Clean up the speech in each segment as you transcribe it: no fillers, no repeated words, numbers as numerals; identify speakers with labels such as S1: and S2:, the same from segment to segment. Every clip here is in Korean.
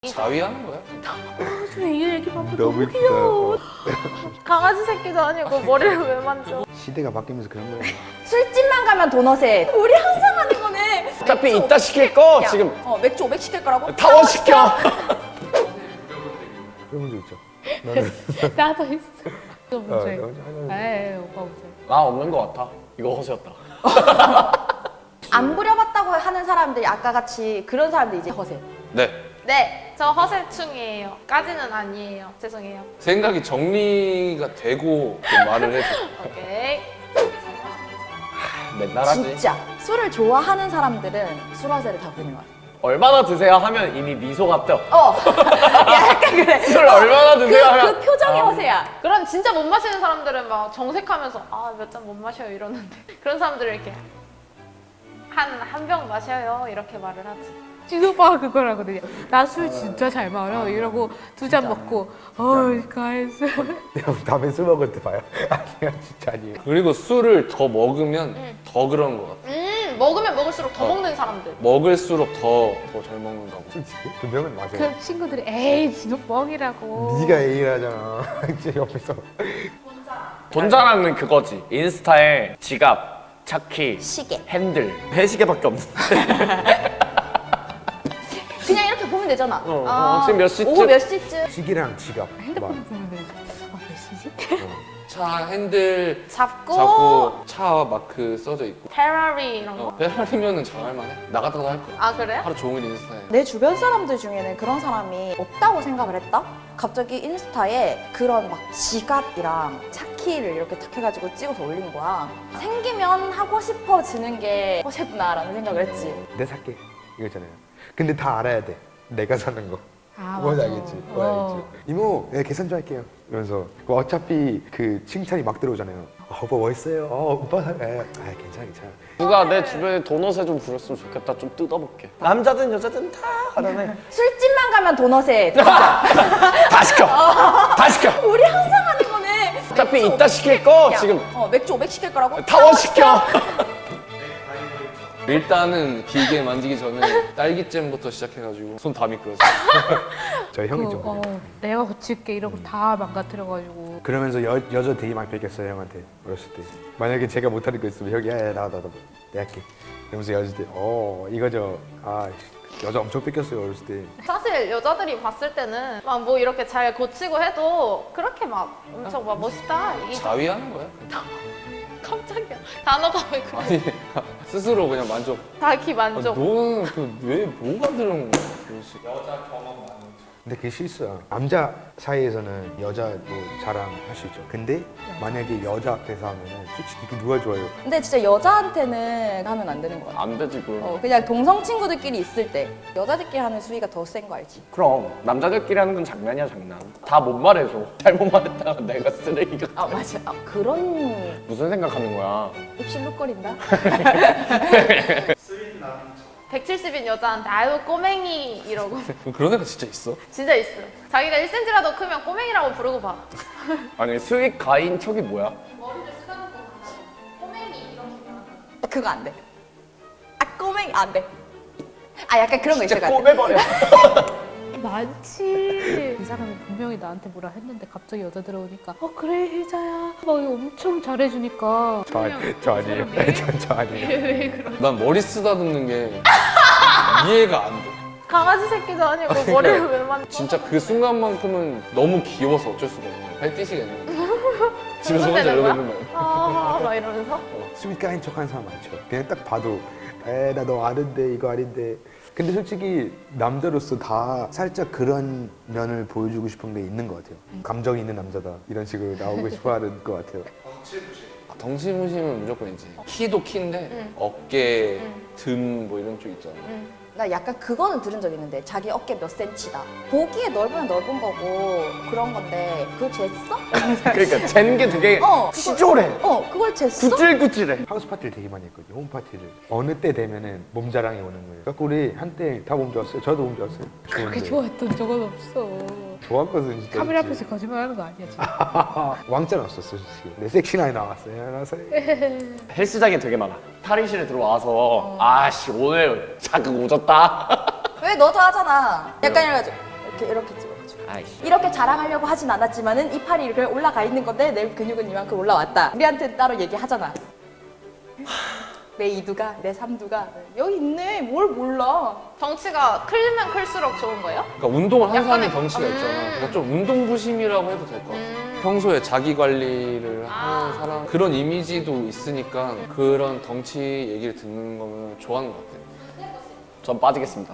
S1: 자위하는 거야?
S2: 이 얘기만 보고
S3: 너무
S2: 귀여워.
S4: 강아지 새끼도 아니고 머리를 왜 만져?
S3: 시대가 바뀌면서 그런 거예요.
S2: 술집만 가면 도넛에 우리 항상 하는 거네.
S1: 어차피
S2: 맥주
S1: 이따
S2: 500
S1: 시킬 거
S2: 야,
S1: 지금
S2: 맥주 500 시킬 거라고?
S1: 타워 시켜.
S3: 그런 문제 있죠. 나는
S2: 나도 있어. 이거 문제.
S3: 나 혼자 하나.
S2: 에이 오빠 문제.
S1: 나 없는 거 같아. 이거 허세였다.
S2: 안 부려봤다고 하는 사람들이 아까 같이 그런 사람들 이제 허세.
S1: 네.
S4: 네, 저 허세충이에요. 까지는 아니에요. 죄송해요.
S1: 생각이 정리가 되고 좀 말을 해줘.
S4: 오케이.
S1: 맨날 하지.
S2: 진짜 술을 좋아하는 사람들은 술 허세를 다 부리는 거야.
S1: 얼마나 드세요 하면 이미 미소가 떠.
S2: 야, 약간 그래.
S1: 술 얼마나 드세요 하면
S2: 그 표정이 허세야.
S4: 그런 진짜 못 마시는 사람들은 막 정색하면서 아, 몇 잔 못 마셔요 이러는데 그런 사람들은 이렇게 한 병 마셔요 이렇게 말을 하지.
S5: 진오빠가 그걸 하거든요. 나 술 진짜 잘 마셔 이러고 두 잔 먹고 가했어.
S3: 내가 다음에 술 먹을 때 봐요. 아니야 진짜 아니에요.
S1: 그리고 술을 더 먹으면 더 그런 것 같아.
S4: 먹으면 먹을수록 더 먹는 사람들.
S1: 먹을수록 더 잘 먹는가 봐.
S3: 솔직히 그 명은 맞아요.
S5: 그 친구들이 에이 진오 뻥이라고.
S3: 네가 A라잖아. 이제 옆에서
S1: 돈 자랑은 그거지. 인스타에 지갑, 차키,
S2: 시계.
S1: 핸들, 회시계밖에 없는데.
S2: 그냥 이렇게 보면 되잖아.
S1: 지금 몇 시쯤?
S2: 오후 몇 시쯤?
S3: 시기랑 지갑.
S5: 핸드폰 보면 되지. 몇 시지?
S1: 차 핸들
S4: 잡고,
S1: 잡고 차 마크 써져 있고.
S4: 페라리 이런 거.
S1: 페라리면은 잘할만해. 나갔다도 할 거야.
S4: 아 그래요?
S1: 하루 종일 인스타에.
S2: 내 주변 사람들 중에는 그런 사람이 없다고 생각을 했다? 갑자기 인스타에 그런 막 지갑이랑 차키를 이렇게 탁 해가지고 찍어서 올린 거야. 생기면 하고 싶어지는 게 허세구나라는 생각을 했지.
S3: 내 살게 이거 있잖아요. 근데 다 알아야 돼. 내가 사는 거.
S5: 아,
S3: 뭔지
S5: 맞아.
S3: 알겠지? 뭔지 알겠지? 이모, 네, 계산 좀 할게요. 이러면서 어차피 그 칭찬이 막 들어오잖아요. 오빠 멋있어요. 오빠 괜찮아 괜찮아.
S1: 누가 내 주변에 도넛에 좀 부렸으면 좋겠다. 좀 뜯어볼게. 남자든 여자든 다 하라네.
S2: 술집만 가면 도넛에
S1: 다 시켜. 다 시켜.
S2: 우리 항상 하는 거네.
S1: 어차피
S2: 맥주
S1: 이따
S2: 500
S1: 시킬 거
S2: 야,
S1: 지금
S2: 맥주 500 시킬 거라고?
S1: 타워 시켜. 일단은 기계 만지기 전에 딸기잼부터 시작해가지고 손 다 미끄러져.
S3: 저희 형이 좀 그래요.
S5: 내가 고칠게 이러고 다 망가뜨려가지고.
S3: 그러면서 여자 되게 많이 뺏겼어요 형한테 어렸을 때. 만약에 제가 못하는 거 있으면 형이 야 나와 내가 할게. 그러면서 여자 때 이거죠. 여자 엄청 뺏겼어요 어렸을 때.
S4: 사실 여자들이 봤을 때는 막 뭐 이렇게 잘 고치고 해도 그렇게 막 엄청 막 멋있다. 이게
S1: 자위하는 거야?
S4: 깜짝이야. 단어가 왜 그래?
S1: 아니 스스로 그냥 만족.
S4: 자기 만족.
S1: 너는 왜 뭐가 들은 거야?
S3: 근데 그게 실수야. 남자 사이에서는 여자 뭐 자랑할 수 있죠. 근데 만약에 여자 앞에서 하면은 솔직히 그 누가 좋아요?
S2: 근데 진짜 여자한테는 하면 안 되는 거 같아.
S1: 안 되지 그럼.
S2: 그냥 동성 친구들끼리 있을 때 여자들끼리 하는 수위가 더 센 거 알지?
S1: 그럼 남자들끼리 하는 건 장난이야 장난. 다 못 말해줘. 잘못 말했다가 내가 쓰레기가.
S2: 맞아. 그런
S1: 무슨 생각하는 거야?
S2: 입실룩거린다?
S4: 170인 여자한테 아유 꼬맹이 이러고
S1: 그런 애가 진짜 있어?
S4: 진짜 있어. 자기가 1cm라도 크면 꼬맹이라고 부르고 봐.
S1: 아니 수익 가인 척이 뭐야?
S4: 머리를 쓰다듬고 꼬맹이 이렇게 말하는
S2: 그거 안 돼. 꼬맹이 안 돼. 약간 그런 거 있을 것 같아.
S1: 꼬매버려.
S5: 많지. 이 사람이 분명히 나한테 뭐라 했는데 갑자기 여자 들어오니까 그래 혜자야 막 엄청 잘해주니까.
S3: 저 아니에요. 저 아니에요.
S5: 왜 그런?
S1: 난 머리 쓰다듬는 게 이해가 안 돼.
S4: 강아지 새끼도 아니고 머리를 왜 만져?
S1: 진짜 그 순간만큼은 너무 귀여워서 어쩔 수가 없네. 발 뛰시겠네. 집에서 혼자
S4: 되는
S1: 이러고
S4: 거야?
S1: 있는 거야.
S4: 막 이러면서
S3: 스윗가인 척하는 사람 많죠. 그냥 딱 봐도 나 너 아는데 이거 아닌데. 근데 솔직히 남자로서 다 살짝 그런 면을 보여주고 싶은 게 있는 것 같아요. 감정이 있는 남자다 이런 식으로 나오고 싶어하는 것 같아요.
S1: 덩치무심은 무조건이지. 키도 키인데 어깨, 등 뭐 이런 쪽 있잖아.
S2: 나 약간 그거는 들은 적 있는데 자기 어깨 몇 센치다. 보기에 넓으면 넓은 거고 그런 건데 그걸 쟀어?
S1: 그러니까 잰 게 되게 치졸해.
S2: 그걸 쟀어?
S1: 구질구질해.
S3: 하우스 파티를 되게 많이 했거든요. 홈 파티를. 어느 때 되면은 몸 자랑이 오는 거예요. 그래서 우리 한때 다 몸 좋았어요. 저도 몸 좋았어요.
S5: 그렇게
S3: 좋은데.
S5: 좋아했던 적은 없어.
S3: 좋았거든 진짜.
S5: 카메라
S3: 그치?
S5: 앞에서 거짓말하는 거 아니야 지금.
S3: 왕자는 없었어 솔직히. 내 섹시나이 나왔어요. 나서
S1: 헬스장에 되게 많아. 탈의실에 들어와서 아씨 오늘 자극 오졌다.
S2: 왜 너도 하잖아. 약간 이래가지고 이렇게 찍어가지고
S6: 아이씨.
S2: 이렇게 자랑하려고 하진 않았지만은 이 팔이 이렇게 올라가 있는 건데 내 근육은 이만큼 올라왔다. 우리한테 따로 얘기하잖아. 내 이두가, 내 삼두가 여기 있네. 뭘 몰라.
S4: 덩치가 클면 클수록 좋은 거예요?
S1: 그러니까 운동을 한 사람이
S4: 약간의-
S1: 덩치가 있잖아. 그러니까 좀 운동부심이라고 해도 될 것 같아. 평소에 자기 관리를 하는 사람 그런 이미지도 있으니까 그런 덩치 얘기를 듣는 거면 좋아하는 것 같아.
S6: 전 빠지겠습니다.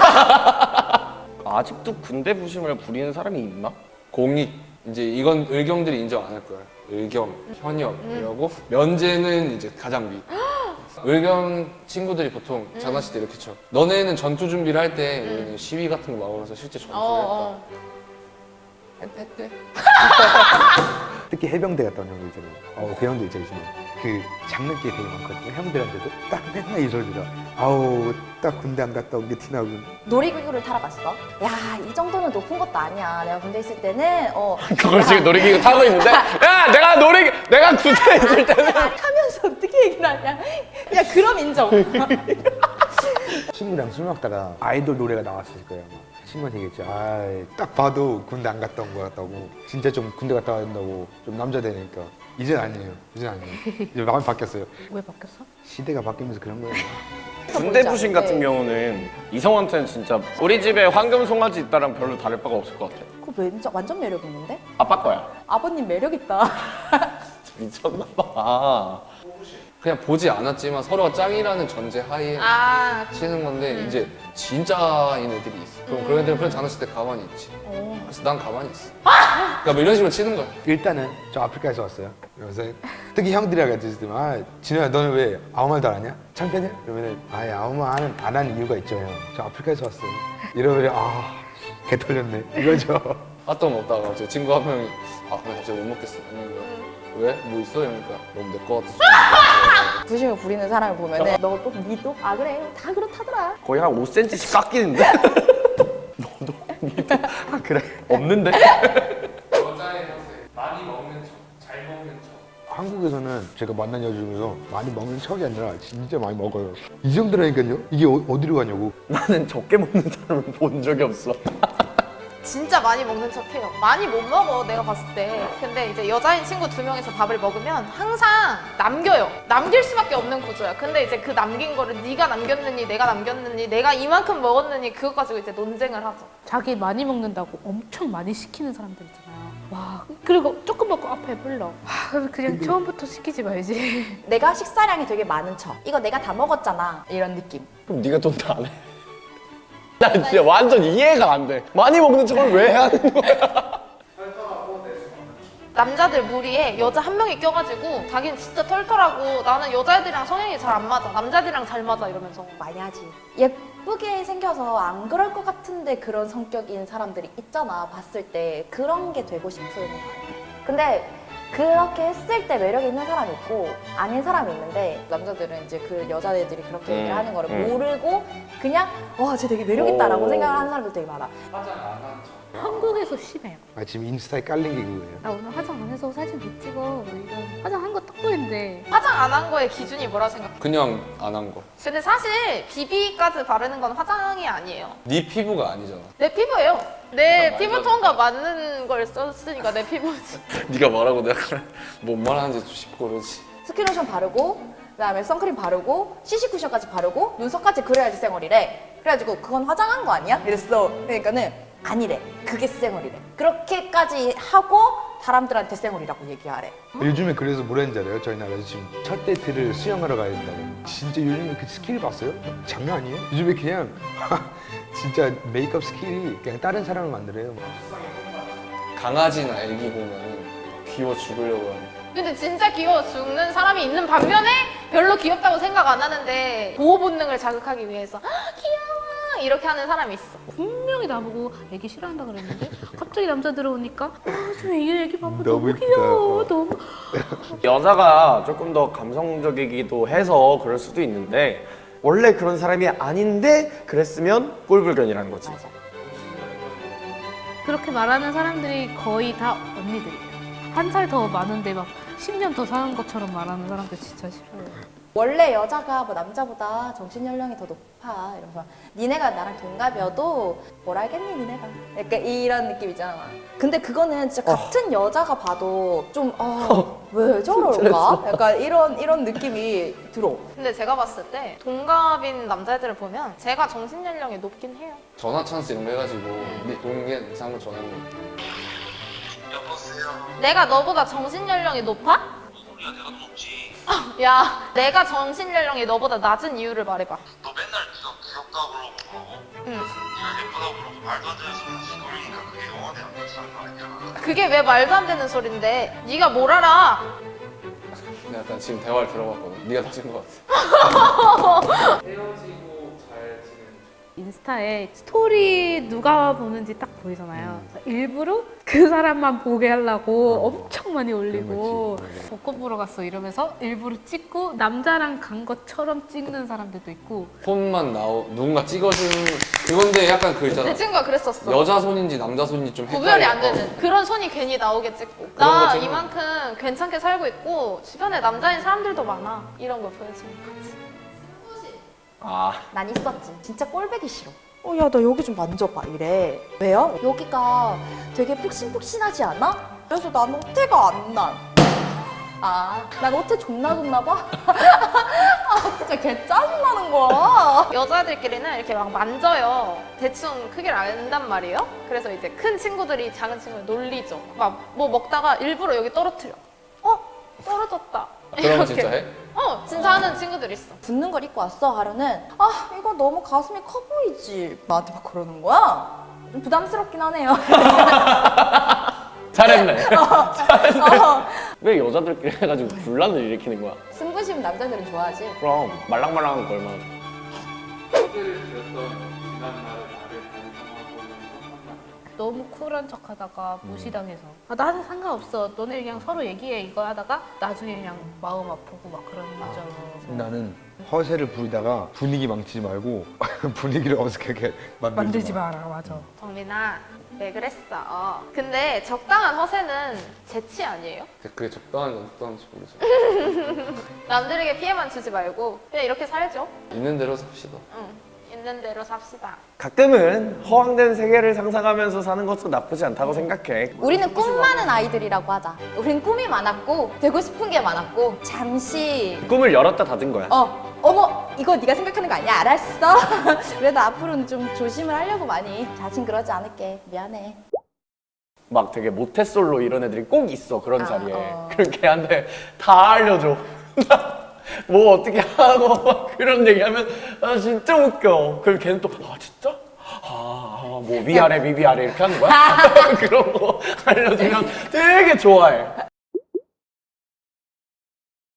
S6: 아직도 군대 부심을 부리는 사람이 있나?
S1: 공익 이제 이건 의경들이 인정 안 할 거야. 의경, 현역 이러고 면제는 이제 가장 위. 의경 친구들이 보통 장난칠 때 이렇게 쳐. 너네는 전투 준비를 할 때 우리는 시위 같은 거 막으면서 실제 전투를 했다. 했대.
S3: 특히 해병대 갔다 온 형들 있잖아요. 그 형들 있잖아요. 그 장난기 되게 많거든요. 형들한테도 딱 맨날 이 소리 들어. 아우 딱 군대 안 갔다 온 게 티나고.
S2: 놀이기구를 타러 갔어. 야, 이 정도는 높은 것도 아니야. 내가 군대 있을 때는
S6: 그걸 지금 놀이기구 타고 있는데? 야, 내가 군대에 있을 때는
S2: 타면서 어떻게 얘기를 하냐. 야, 그럼 인정.
S3: 친구랑 술 먹다가 아이돌 노래가 나왔을 거예요. 아마. 친구한테 얘기했죠. 딱 봐도 군대 안 갔다 온 것 같다고. 진짜 좀 군대 갔다 와야 된다고. 좀 남자 되니까. 이젠 아니에요. 이제 마음이 바뀌었어요.
S5: 왜 바뀌었어?
S3: 시대가 바뀌면서 그런 거예요.
S6: 군대 부심 같은
S2: 네.
S6: 경우는 이성한테는 진짜 우리 집에 황금 송아지 있다랑 별로 다를 바가 없을 것 같아.
S2: 그거 완전 매력 있는데?
S6: 아빠 거야.
S2: 아버님 매력 있다.
S6: 미쳤나 봐.
S1: 그냥 보지 않았지만 서로가 짱이라는 전제 하에
S4: 아,
S1: 치는 건데 이제 진짜인 애들이 있어. 그럼 그런 애들은 그런 장난칠 때 가만히 있지. 그래서 난 가만히 있어. 그러니까 뭐 이런 식으로 치는 거야.
S3: 일단은 저 아프리카에서 왔어요. 그래서 특히 형들이랑 같이 있을 때만 진호야 너는 왜 아무 말도 안 하냐? 창피하냐? 그러면은 아무 말 안 하는 이유가 있죠 형. 저 아프리카에서 왔어요. 이러면 개 털렸네 이거죠.
S1: 핫도그 먹다가 갑자기 친구 한 명이 나 갑자기 못 먹겠어. 이러는 거야. 왜? 뭐 있어? 이러니까 너무 내 거 같아서.
S2: 부심을 부리는 사람을 보면은 너 또 니도 아 그래 다 그렇다더라.
S6: 거의 한 5cm씩 깎이는데? 너도 니도 그래 없는데?
S1: 여자의 허세. 많이 먹는 척, 잘 먹는 척.
S3: 한국에서는 제가 만난 여자 중에서 많이 먹는 척이 아니라 진짜 많이 먹어요. 이 정도라니까요. 이게 어디로 가냐고.
S6: 나는 적게 먹는 사람을 본 적이 없어.
S4: 진짜 많이 먹는 척해요. 많이 못 먹어, 내가 봤을 때. 근데 이제 여자인 친구 2명이서 밥을 먹으면 항상 남겨요. 남길 수밖에 없는 구조야. 근데 이제 그 남긴 거를 네가 남겼느니 내가 남겼느니 내가 이만큼 먹었느니 그거 가지고 이제 논쟁을 하죠.
S5: 자기 많이 먹는다고 엄청 많이 시키는 사람들 있잖아요. 와, 그리고 조금 먹고 앞에 불러. 그냥 처음부터 시키지 말지.
S2: 내가 식사량이 되게 많은 척. 이거 내가 다 먹었잖아. 이런 느낌.
S6: 그럼 네가 돈 다 안 해? 나 진짜 완전 이해가 안 돼. 많이 먹는 척을 왜 해야 하는 거야?
S4: 남자들 무리에 여자 한 명이 껴가지고 자기는 진짜 털털하고 나는 여자애들이랑 성향이 잘 안 맞아. 남자들이랑 잘 맞아 이러면서.
S2: 많이 하지. 예쁘게 생겨서 안 그럴 것 같은데 그런 성격인 사람들이 있잖아. 봤을 때 그런 게 되고 싶은. 근데 그렇게 했을 때 매력 있는 사람이 있고 아닌 사람이 있는데 남자들은 이제 그 여자애들이 그렇게 얘기를 하는 거를 모르고 그냥 와, 쟤 되게 매력 있다라고 생각을 하는 사람들 되게 많아.
S1: 화장 안 한 척.
S5: 한국에서 심해요.
S3: 지금 인스타에 깔린 게 그거예요.
S5: 나 오늘 화장 안 해서 사진 못 찍어. 뭐 이런. 화장한 거 딱 보이는데.
S4: 화장 안 한 거의 기준이 뭐라 생각해?
S1: 그냥 안 한 거.
S4: 근데 사실 비비까지 바르는 건 화장이 아니에요.
S1: 네 피부가 아니잖아.
S4: 내 피부예요. 내
S1: 말도 안
S4: 피부톤과 맞는 걸 썼으니까 내 피부지.
S1: 네가 말하고 내가 그래. 뭔 말하는지 싶고 그러지.
S2: 스킨로션 바르고 그다음에 선크림 바르고 CC 쿠션까지 바르고 눈썹까지 그려야지 쌩얼이래. 그래가지고 그건 화장한 거 아니야? 이랬어. 그러니까는 아니래. 그게 쌩얼이래. 그렇게까지 하고 사람들한테 쌩얼이라고 얘기하래.
S3: 요즘에 그래서 뭐라 했는지 알아요? 저희 나라에서 지금 첫 데이트를 수영하러 가야 된다고. 진짜 요즘에 그 스킬 봤어요? 장난 아니에요? 요즘에 그냥 진짜 메이크업 스킬이 그냥 다른 사람을 만들어요.
S1: 강아지나 애기 보면 귀여워 죽으려고 하는.
S4: 근데 진짜 귀여워 죽는 사람이 있는 반면에 별로 귀엽다고 생각 안 하는데 보호 본능을 자극하기 위해서 "아, 귀여워 이렇게 하는 사람이 있어.
S5: 분명히 나보고 애기 싫어한다 그랬는데 갑자기 남자 들어오니까 저 애기 봐봐
S3: 너무
S5: 너무
S3: 이쁘다.
S5: 귀여워 너무
S6: 여자가 조금 더 감성적이기도 해서 그럴 수도 있는데 원래 그런 사람이 아닌데 그랬으면 꼴불견이라는 거지.
S5: 그렇게 말하는 사람들이 거의 다 언니들이에요. 한 살 더 많은데 막 10년 더 사는 것처럼 말하는 사람들 진짜 싫어요.
S2: 원래 여자가 뭐 남자보다 정신 연령이 더 높아 이러면서 니네가 나랑 동갑이어도 뭘 알겠니 니네가 약간 이런 느낌 있잖아. 근데 그거는 진짜 같은 여자가 봐도 좀 왜 저럴까? 약간 이런 느낌이 들어.
S4: 근데 제가 봤을 때 동갑인 남자애들을 보면 제가 정신 연령이 높긴 해요.
S1: 전화 찬스 이런 거 해가지고 네 동네 이상한 전화하는 거.
S4: 내가 너보다 정신 연령이 높아?
S7: 소리야 내가 더 높지.
S4: 야, 내가 정신 연령이 너보다 낮은 이유를 말해봐.
S7: 너 맨날 네가 귀엽다고 그러고
S4: 응.
S7: 네가 예쁘다고 그러고 말도 안 되는 소리 그러니까 그게 영원히 안 괜찮은 거 아니야.
S4: 그게 왜 말도 안 되는 소린데? 네가 뭘 알아?
S1: 근데 약간 지금 대화를 들어봤거든. 네가 다친 것 같아. 헤어지고 잘 지내는
S5: 인스타에 스토리 누가 보는지 딱 보이잖아요. 일부러 그 사람만 보게 하려고 엄청 많이 올리고 벚꽃 보러 갔어 이러면서 일부러 찍고 남자랑 간 것처럼 찍는 사람들도 있고.
S1: 손만 누군가 찍어주는 그건데 약간 그 있잖아.
S4: 내 친구가 그랬었어.
S1: 여자 손인지 남자 손인지 좀 헷갈려.
S4: 구별이 안 되는 그런 손이 괜히 나오게 찍고
S1: 그런 거
S4: 나
S1: 찍는
S4: 이만큼 괜찮게 살고 있고 주변에 남자인 사람들도 많아 이런 걸 보여주는 거지.
S6: 아,
S2: 난 있었지. 진짜 꼴배기 싫어. 야, 나 여기 좀 만져봐. 이래. 왜요? 여기가 되게 푹신푹신하지 않아? 그래서 난 오태가 안 나. 난 오태 존나 좋나 봐? 진짜 개 짜증나는 거야.
S4: 여자들끼리는 이렇게 막 만져요. 대충 크기를 안단 말이에요. 그래서 이제 큰 친구들이 작은 친구를 놀리죠. 막 뭐 먹다가 일부러 여기 떨어뜨려. 떨어졌다.
S1: 그런 거 진짜 해?
S4: 진짜 하는 친구들 있어.
S2: 붙는 걸 입고 왔어 하루는 이거 너무 가슴이 커 보이지 나한테 막 그러는 거야. 좀 부담스럽긴 하네요.
S6: 잘했네. 왜 여자들끼리 해가지고 분란을 일으키는 거야?
S2: 승부심 남자들은 좋아하지.
S6: 그럼 말랑말랑한 거 얼마나 좋아.
S5: 너무 쿨한 척 하다가 무시당해서 나는 상관없어 너네 그냥 서로 얘기해 이거 하다가 나중에 그냥 마음 아프고 막 그런 거죠.
S3: 나는 허세를 부리다가 분위기 망치지 말고 분위기를 어색하게 만들지 마.
S5: 마라. 맞아.
S4: 정민아 왜 그랬어? 근데 적당한 허세는 재치 아니에요?
S1: 그게 적당한지 안 적당한지 모르죠.
S4: 남들에게 피해만 주지 말고 그냥 이렇게 살죠.
S1: 있는 대로 삽시다.
S4: 있는 대로 삽시다.
S6: 가끔은 허황된 세계를 상상하면서 사는 것도 나쁘지 않다고 생각해.
S2: 우리는 꿈 많은 아이들이라고 하자. 우리는 꿈이 많았고 되고 싶은 게 많았고 잠시
S6: 꿈을 열었다 닫은 거야.
S2: 어머 이거 네가 생각하는 거 아니야? 알았어. 그래도 앞으로는 좀 조심을 하려고 많이. 다신 그러지 않을게. 미안해.
S6: 막 되게 모태솔로 이런 애들이 꼭 있어 그런 자리에.
S2: 어.
S6: 그럼 걔한테 다 알려줘. 뭐 어떻게 하고 막 그런 얘기하면 진짜 웃겨. 그럼 걔는 또 진짜? 뭐 위아래 이렇게 하는 거야? 그런 거 알려주면 되게 좋아해.